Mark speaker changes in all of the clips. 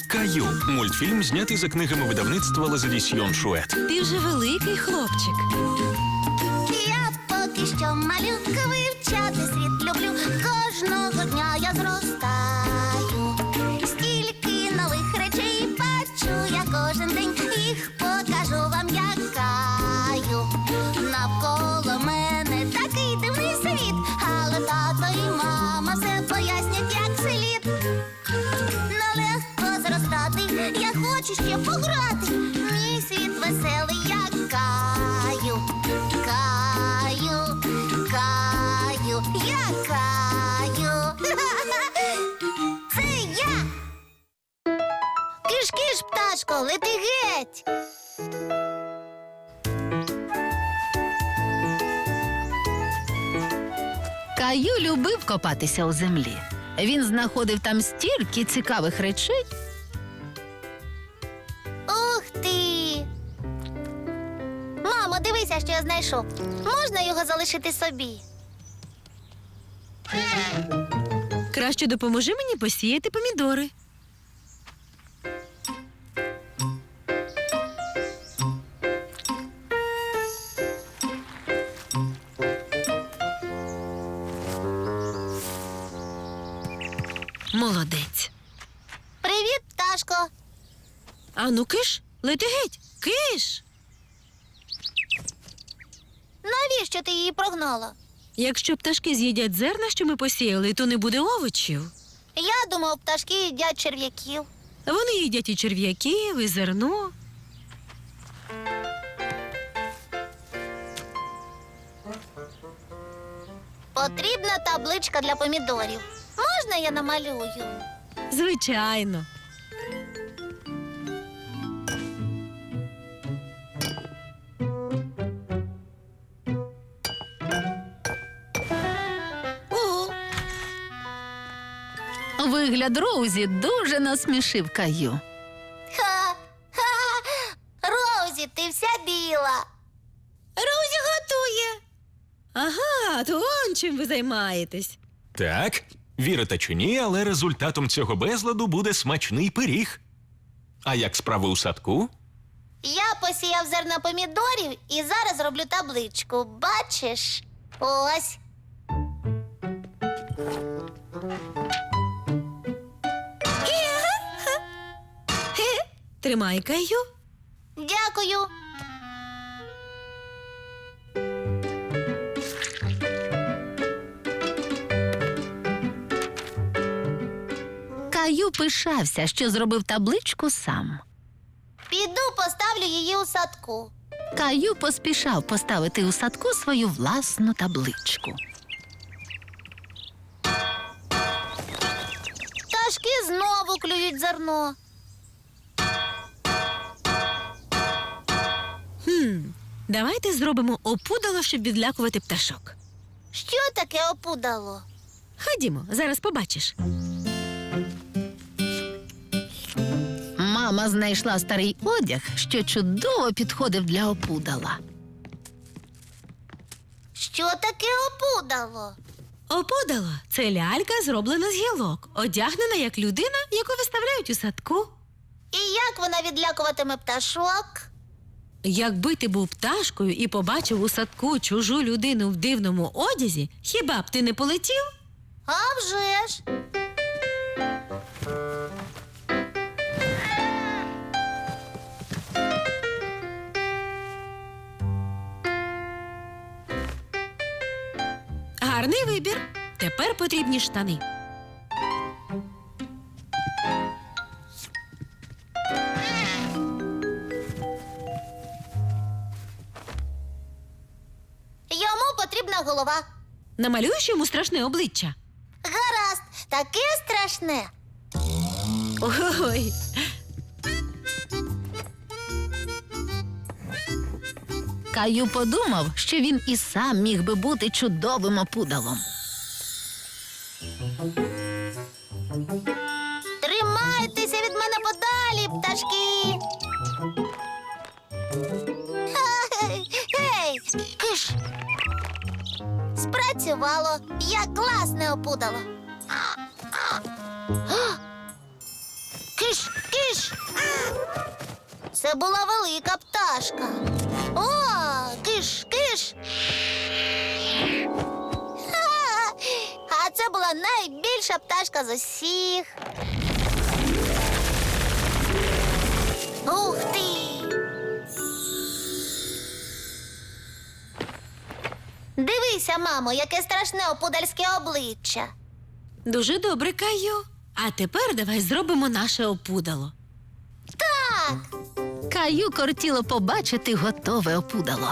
Speaker 1: Каю. Мультфільм знятий за книгами видавництва Лазадісьйон Шует.
Speaker 2: Ти вже великий хлопчик.
Speaker 3: Я поки що малюка, вивчати світ люблю. Кожного дня я зростаю. Стільки нових речей бачу я кожен день. Їх покажу вам, як Каю. Навколо мене такий дивний світ, але тато і мама все пояснять, як слід. Нелегко зростати, я хочу ще пограти. Мій світ веселий, як Каю. Каю, Каю, я Каю. Це я. Киш-киш, пташко, лети геть.
Speaker 2: Каю любив копатися у землі. Він знаходив там стільки цікавих речей.
Speaker 3: Ух ти! Мамо, дивися, що я знайшов. Можна його залишити собі?
Speaker 4: Краще допоможи мені посіяти помідори. Молодець.
Speaker 3: Привіт, пташко.
Speaker 4: Ану, киш, лети геть. Киш!
Speaker 3: Навіщо ти її прогнала?
Speaker 4: Якщо пташки з'їдять зерна, що ми посіяли, то не буде овочів.
Speaker 3: Я думав, пташки їдять черв'яків.
Speaker 4: Вони їдять і черв'яків, і зерно.
Speaker 3: Потрібна табличка для помідорів. Можна я намалюю?
Speaker 4: Звичайно.
Speaker 3: Угу.
Speaker 2: Вигляд Роузі дуже насмішив Каю.
Speaker 3: Ха-ха! Роузі, ти вся біла.
Speaker 4: Роузі готує. Ага, то он чим ви займаєтесь.
Speaker 1: Так, вірите чи ні, але результатом цього безладу буде смачний пиріг. А як справи у садку?
Speaker 3: Я посіяв зерна помідорів і зараз роблю табличку. Бачиш? Ось.
Speaker 4: Тримай, Каю.
Speaker 3: Дякую.
Speaker 2: Каю пишався, що зробив табличку сам.
Speaker 3: Піду поставлю її у садку.
Speaker 2: Каю поспішав поставити у садку свою власну табличку.
Speaker 3: Пташки знову клюють зерно.
Speaker 4: Давайте зробимо опудало, щоб відлякувати пташок.
Speaker 3: Що таке опудало?
Speaker 4: Ходімо, зараз побачиш.
Speaker 2: Мама знайшла старий одяг, що чудово підходив для опудала.
Speaker 3: Що таке опудало?
Speaker 4: Опудало – це лялька, зроблена з гілок, одягнена як людина, яку виставляють у садку.
Speaker 3: І як вона відлякуватиме пташок?
Speaker 4: Якби ти був пташкою і побачив у садку чужу людину в дивному одязі, хіба б ти не полетів?
Speaker 3: А вже ж.
Speaker 4: Гарний вибір. Тепер потрібні штани.
Speaker 3: Йому потрібна голова.
Speaker 4: Намалюєш йому страшне обличчя.
Speaker 3: Гаразд, таке страшне.
Speaker 4: Ой.
Speaker 2: Каю подумав, що він і сам міг би бути чудовим опудалом.
Speaker 3: Тримайтеся від мене подалі, пташки. Гей, киш. Спрацювало. Я класне опудало. Киш, киш. Це була велика пташка. О, киш, киш. Ха! А це була найбільша пташка з усіх. Ух ти! Дивися, мамо, яке страшне опудальське обличчя.
Speaker 4: Дуже добре, Каю. А тепер давай зробимо наше опудало.
Speaker 3: Так,
Speaker 2: Каю кортіло побачити готове опудало.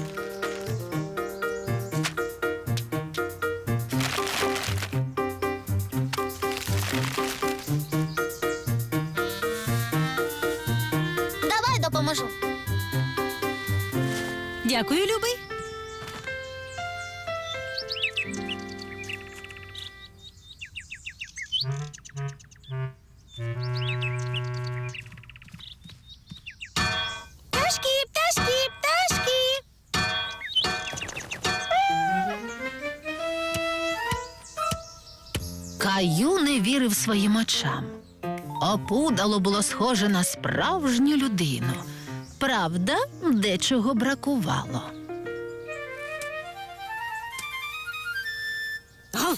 Speaker 3: давай допоможу.
Speaker 4: Дякую, любий.
Speaker 3: Пташки, пташки, пташки.
Speaker 2: Каю не вірив своїм очам. Опудало було схоже на справжню людину. Правда, дечого бракувало.
Speaker 4: Гав.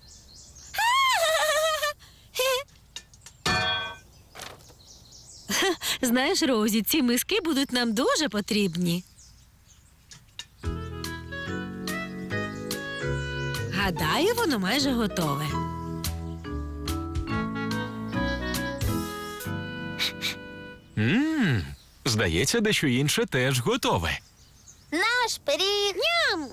Speaker 4: Знаєш, Розі, ці миски будуть нам дуже потрібні. Гадаю, воно майже готове.
Speaker 1: Здається, дещо інше теж готове.
Speaker 3: Наш пиріг. Ням!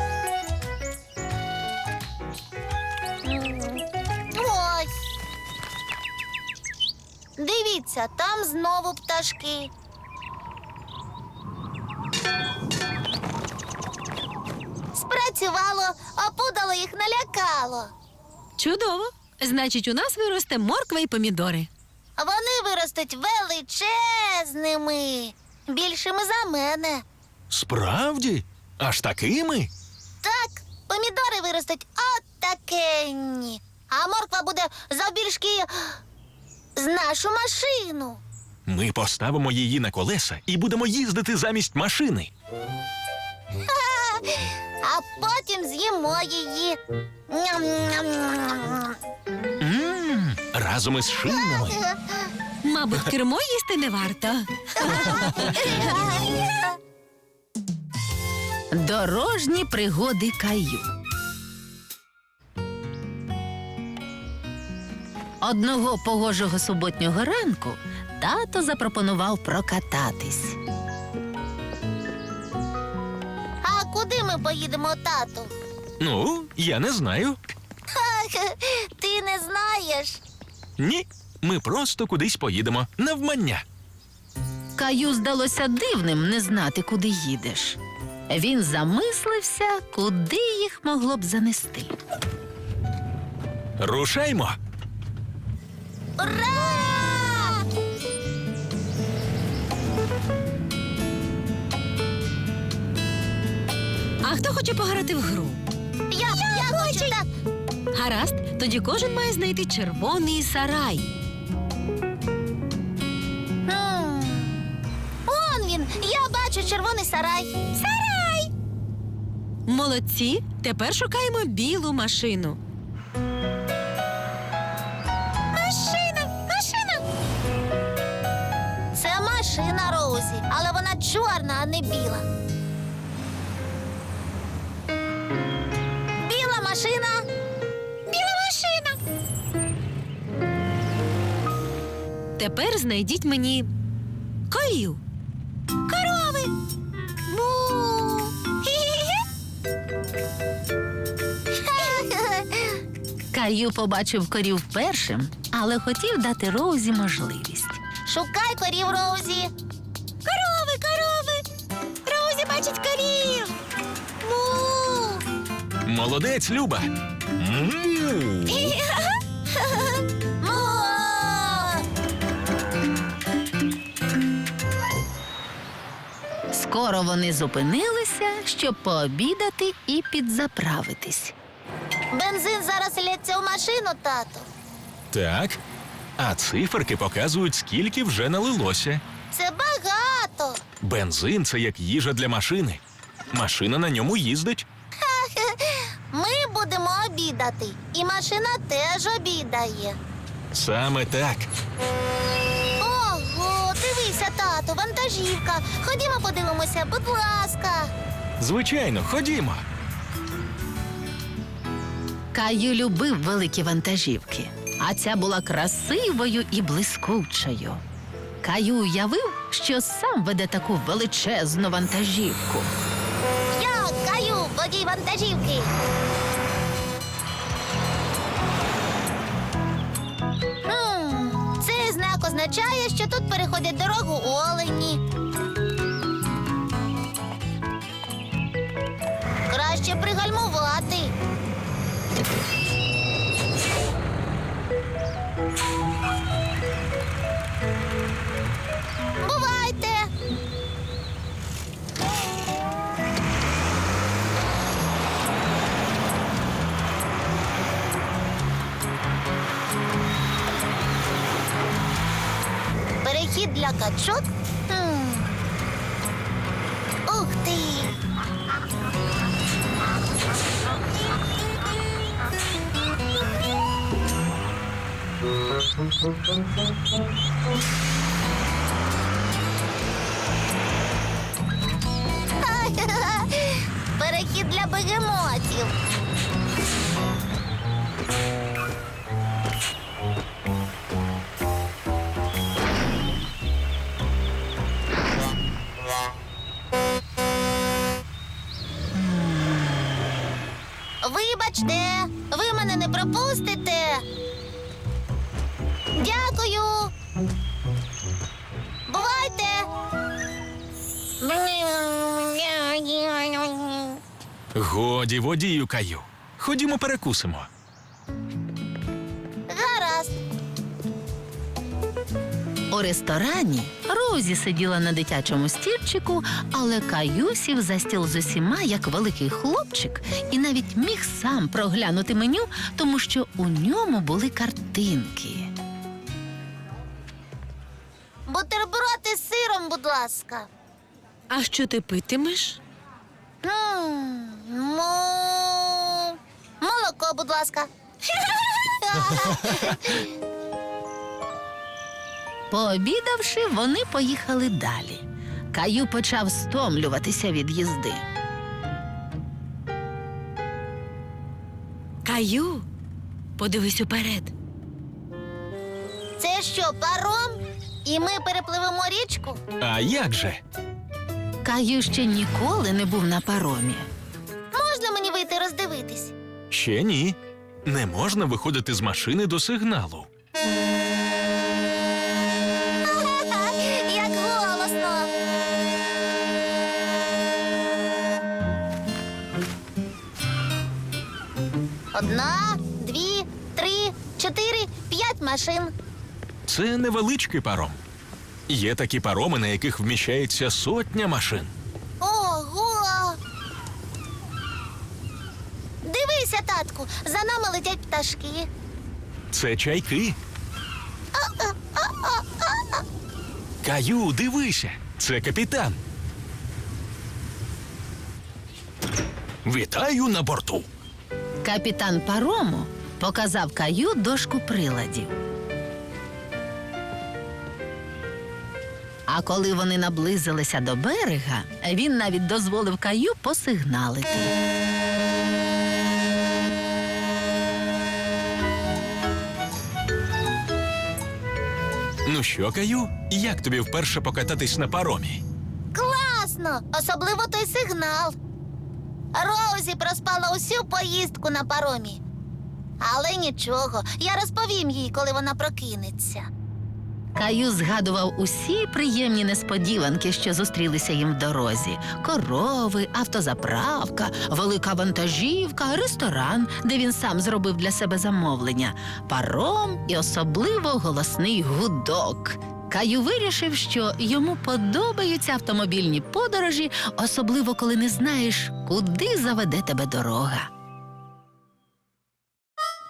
Speaker 3: Ось. Дивіться, там знову пташки. Спрацювало, опудало їх налякало.
Speaker 4: Чудово! Значить, у нас виросте морква і помідори.
Speaker 3: Вони виростуть величезними, більшими за мене.
Speaker 1: Справді? Аж такими?
Speaker 3: Так, помідори виростуть отакенні, а морква буде завбільшки з нашу машину.
Speaker 1: Ми поставимо її на колеса і будемо їздити замість машини.
Speaker 3: А потім з'їмо її. Ням-ням-ням.
Speaker 1: Разом із шинами.
Speaker 4: Мабуть, кермо їсти не варто.
Speaker 2: Дорожні пригоди Каю. Одного погожого суботнього ранку тато запропонував прокататись.
Speaker 3: А куди ми поїдемо, тату?
Speaker 1: Ну, я не знаю.
Speaker 3: Ти не знаєш.
Speaker 1: Ні, ми просто кудись поїдемо. Навмання.
Speaker 2: Каю здалося дивним не знати, куди їдеш. Він замислився, куди їх могло б занести.
Speaker 1: Рушаймо.
Speaker 3: Ура!
Speaker 4: А хто хоче пограти в гру?
Speaker 3: Я хочу так.
Speaker 4: Гаразд, тоді кожен має знайти червоний сарай.
Speaker 3: Он він, я бачу червоний сарай. Сарай!
Speaker 4: Молодці, тепер шукаємо білу машину.
Speaker 3: Машина, машина. Це машина Роузі, але вона чорна, а не біла. Біла машина. Біла машина.
Speaker 4: Тепер знайдіть мені Каю.
Speaker 3: Корови. Бу.
Speaker 2: Каю побачив корів першим, але хотів дати Роузі можливість.
Speaker 3: Шукай корів, Роузі. Корови, корови. Роузі бачить корів. Му.
Speaker 1: Молодець, Люба. Му.
Speaker 3: Му.
Speaker 2: Скоро вони зупинилися, щоб пообідати і підзаправитись.
Speaker 3: Бензин зараз лється в машину, тату.
Speaker 1: Так. А циферки показують, скільки вже налилося.
Speaker 3: це багато.
Speaker 1: Бензин це як їжа для машини. Машина на ньому їздить.
Speaker 3: Ми будемо обідати, і машина теж обідає.
Speaker 1: Саме так.
Speaker 3: Ого, дивися, тату, вантажівка. Ходімо подивимося, будь ласка.
Speaker 1: Звичайно, ходімо.
Speaker 2: Каю любив великі вантажівки, а ця була красивою і блискучою. Каю уявив, що сам веде таку величезну вантажівку.
Speaker 3: Я Каю, водій вантажівки. Цей знак означає, що тут переходять дорогу олені. Краще пригальмувати. Бувайте! Перехід для качок? Ух ти! Перехід для бегемотів. Вибачте, ви мене не пропустите. Дякую. Бувайте.
Speaker 1: Годі, водію Каю. Ходімо перекусимо.
Speaker 3: Гаразд.
Speaker 2: У ресторані Розі сиділа на дитячому стільчику, але Каю сів за стіл з усіма, як великий хлопчик, і навіть міг сам проглянути меню, тому що у ньому були картинки.
Speaker 3: Бутерброди з сиром, будь ласка.
Speaker 4: А що ти питимеш?
Speaker 3: Молоко, будь ласка.
Speaker 2: Пообідавши, вони поїхали далі. Каю почав стомлюватися від їзди.
Speaker 4: Каю, подивись уперед.
Speaker 3: Це що, паром? І ми перепливемо річку?
Speaker 1: А як же?
Speaker 2: Каю ще ніколи не був на паромі.
Speaker 3: Можна мені вийти роздивитись?
Speaker 1: Ще ні. Не можна виходити з машини до сигналу.
Speaker 3: Як голосно. Одна, дві, три, 4, 5 машин.
Speaker 1: Це невеличкий паром. Є такі пароми, на яких вміщається сотня машин.
Speaker 3: Ого! Дивися, татку, за нами летять пташки.
Speaker 1: Це чайки. Каю, дивися, це капітан. Вітаю на борту.
Speaker 2: Капітан парому показав Каю дошку приладів. А коли вони наблизилися до берега, він навіть дозволив Каю посигналити.
Speaker 1: Ну що, Каю, як тобі вперше покататись на паромі?
Speaker 3: Класно! Особливо той сигнал. Розі проспала усю поїздку на паромі. Але нічого, я розповім їй, коли вона прокинеться.
Speaker 2: Каю згадував усі приємні несподіванки, що зустрілися їм в дорозі. Корови, автозаправка, велика вантажівка, ресторан, де він сам зробив для себе замовлення, паром і особливо голосний гудок. Каю вирішив, що йому подобаються автомобільні подорожі, особливо коли не знаєш, куди заведе тебе дорога.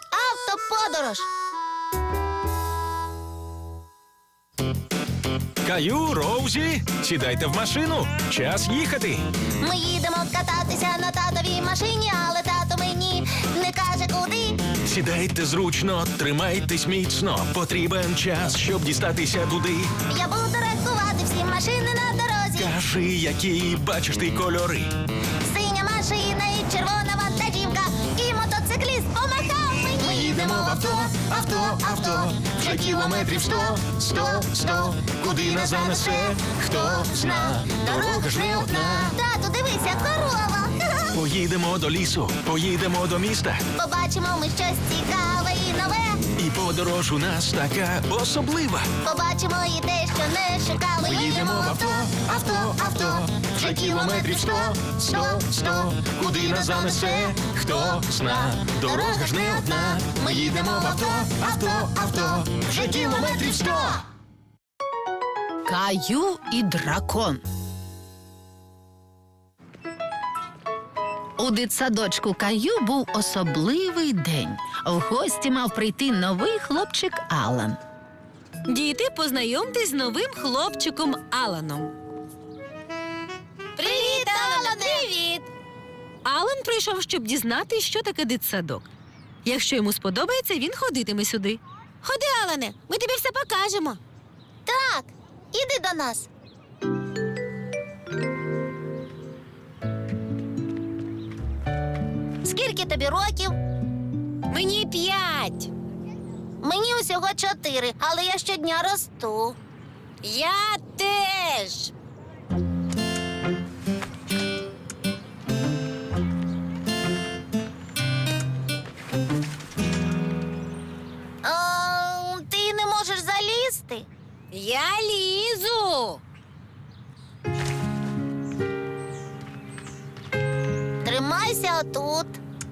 Speaker 3: Автоподорож!
Speaker 1: Каю, Роузі, сідайте в машину. Час їхати.
Speaker 3: Ми їдемо кататися на татовій машині, але тато мені не каже куди.
Speaker 1: Сідайте зручно, тримайтесь міцно. Потрібен час, щоб дістатися туди.
Speaker 3: Я буду рахувати всі машини на дорозі.
Speaker 1: Кажи, які бачиш ти кольори.
Speaker 3: Синя машина і червона вантажівка, і мотоцикліст помахав мені.
Speaker 1: Ми їдемо в авто, авто, авто. Вже кілометрів 100. Куди нас занесе, хто зна. Дорога ж не одна.
Speaker 3: Тату, дивися, корова.
Speaker 1: Поїдемо до лісу, поїдемо до міста.
Speaker 3: Побачимо ми щось цікаве і нове.
Speaker 1: І подорож у нас така особлива.
Speaker 3: Побачимо і те, що не шукали.
Speaker 1: Ми їдемо в авто, авто, авто. Вже кілометрів 100. Куди нас занесе, хто зна. Дорога ж не одна. Ми їдемо в авто, авто, авто. Вже кілометрів 100.
Speaker 2: Каю і дракон. У дитсадочку Каю був особливий день. В гості мав прийти новий хлопчик Алан.
Speaker 4: Діти, познайомтесь з новим хлопчиком Аланом.
Speaker 3: Привіт, Алане! Привіт!
Speaker 4: Алан прийшов, щоб дізнатись, що таке дитсадок. Якщо йому сподобається, він ходитиме сюди. Ходи, Алане, ми тобі все покажемо.
Speaker 3: Так, іди до нас. Скільки тобі років?
Speaker 4: Мені 5.
Speaker 3: Мені усього 4, але я щодня росту.
Speaker 4: Я теж.
Speaker 3: Ти не можеш залізти?
Speaker 4: Я лізу.
Speaker 3: Тримайся отут.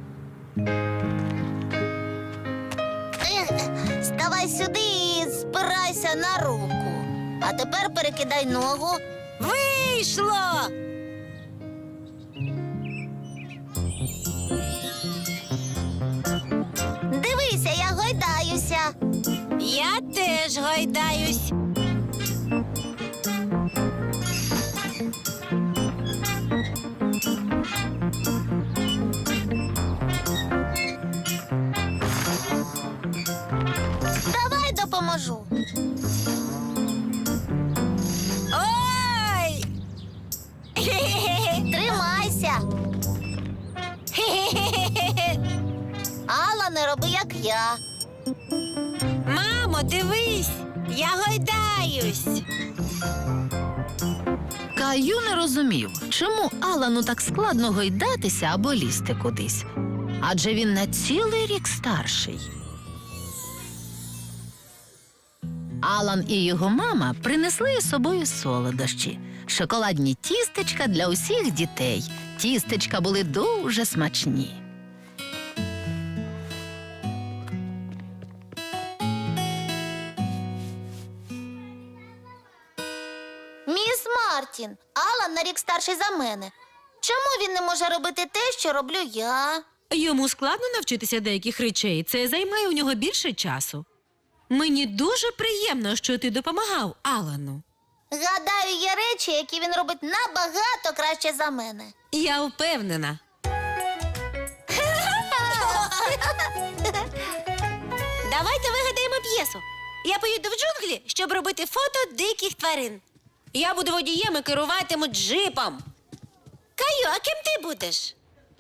Speaker 3: Ставай сюди і спирайся на руку. А тепер перекидай ногу.
Speaker 4: Вийшло!
Speaker 3: Дивися, я гойдаюся.
Speaker 4: Я теж гойдаюсь.
Speaker 3: Давай допоможу.
Speaker 4: Ой!
Speaker 3: Тримайся. Алла, не роби, як я.
Speaker 4: Мамо, дивись, я гойдаюсь.
Speaker 2: Каю не розумів, чому Алану так складно гойдатися або лізти кудись. Адже він на цілий рік старший. Алан і його мама принесли із собою солодощі. Шоколадні тістечка для усіх дітей. Тістечка були дуже смачні.
Speaker 3: Міс Мартін, Алан на рік старший за мене. Чому він не може робити те, що роблю я?
Speaker 4: Йому складно навчитися деяких речей. Це займає у нього більше часу. Мені дуже приємно, що ти допомагав Алану.
Speaker 3: Гадаю, є речі, які він робить набагато краще за мене.
Speaker 4: Я впевнена. Давайте вигадаємо п'єсу. Я поїду в джунглі, щоб робити фото диких тварин. Я буду водієм і керуватиму джипом. Каю, а ким ти будеш?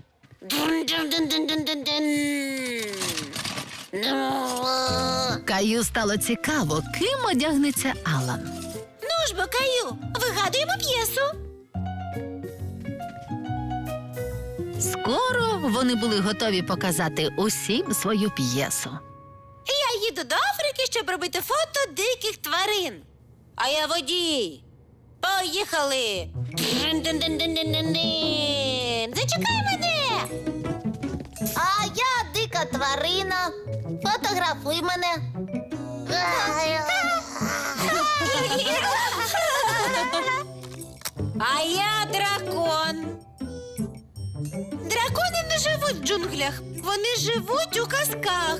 Speaker 2: Каю стало цікаво, ким одягнеться Алан.
Speaker 4: Ну ж бо, Каю, вигадуємо п'єсу.
Speaker 2: Скоро вони були готові показати усім свою п'єсу.
Speaker 4: Я їду до Африки, щоб робити фото диких тварин. А я водій. Поїхали. Зачекай мене.
Speaker 3: А я дика тварина. Фотографуй мене.
Speaker 4: А я дракон. Дракони не живуть в джунглях. Вони живуть у казках.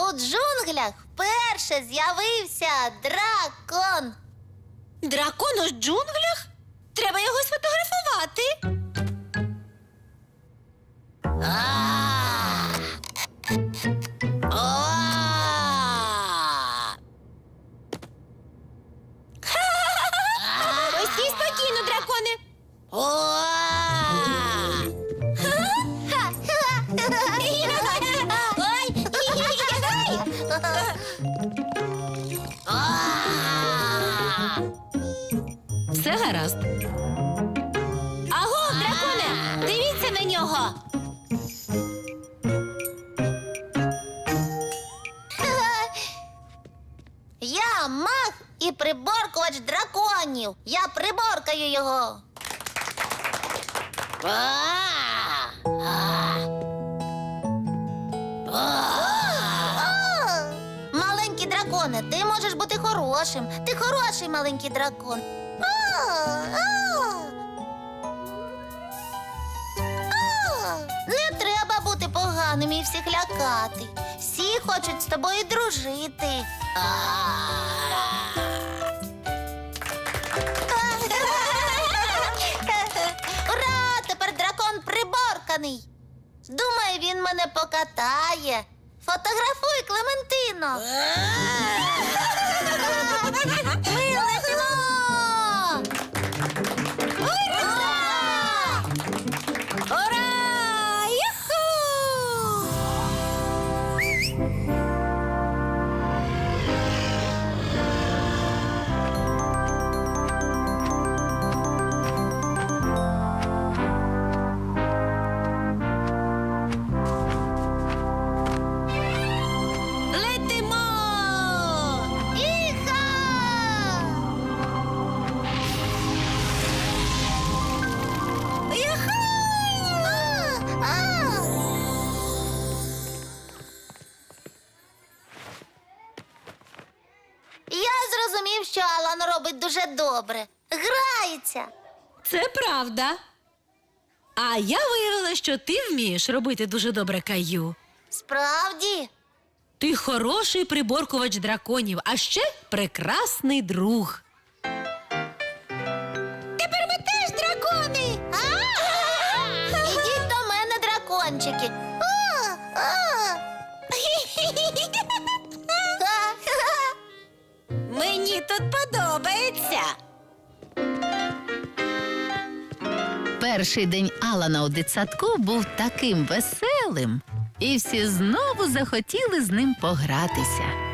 Speaker 3: у джунглях вперше з'явився дракон.
Speaker 4: Дракон у джунглях? Треба його сфотографувати. Ось стій спокійно, драконе. Все гаразд. Аго, драконе, дивіться на нього.
Speaker 3: Я маг і приборкувач драконів. Я приборкаю його. Маленький драконе, ти можеш бути хорошим. Ти хороший маленький дракон. Не треба бути поганим і всіх лякати. Всі хочуть з тобою дружити. Ура! Тепер дракон приборканий. Думаю, він мене покатає. Фотографуй, Клементино. Ми летимо! Ура!
Speaker 4: Ура! Юху! Летимо!
Speaker 3: Іха!
Speaker 4: Юху!
Speaker 3: Я зрозумів, що Алан робить дуже добре. Грається.
Speaker 4: Це правда. А я виявила, що ти вмієш робити дуже добре, Каю.
Speaker 3: Справді.
Speaker 4: Ти хороший приборкувач драконів, а ще прекрасний друг. Тепер ми теж дракони.
Speaker 3: Ідіть до мене, дракончики.
Speaker 4: Мені тут подобається.
Speaker 2: Перший день Алана у дитсадку був таким веселим, і всі знову захотіли з ним погратися.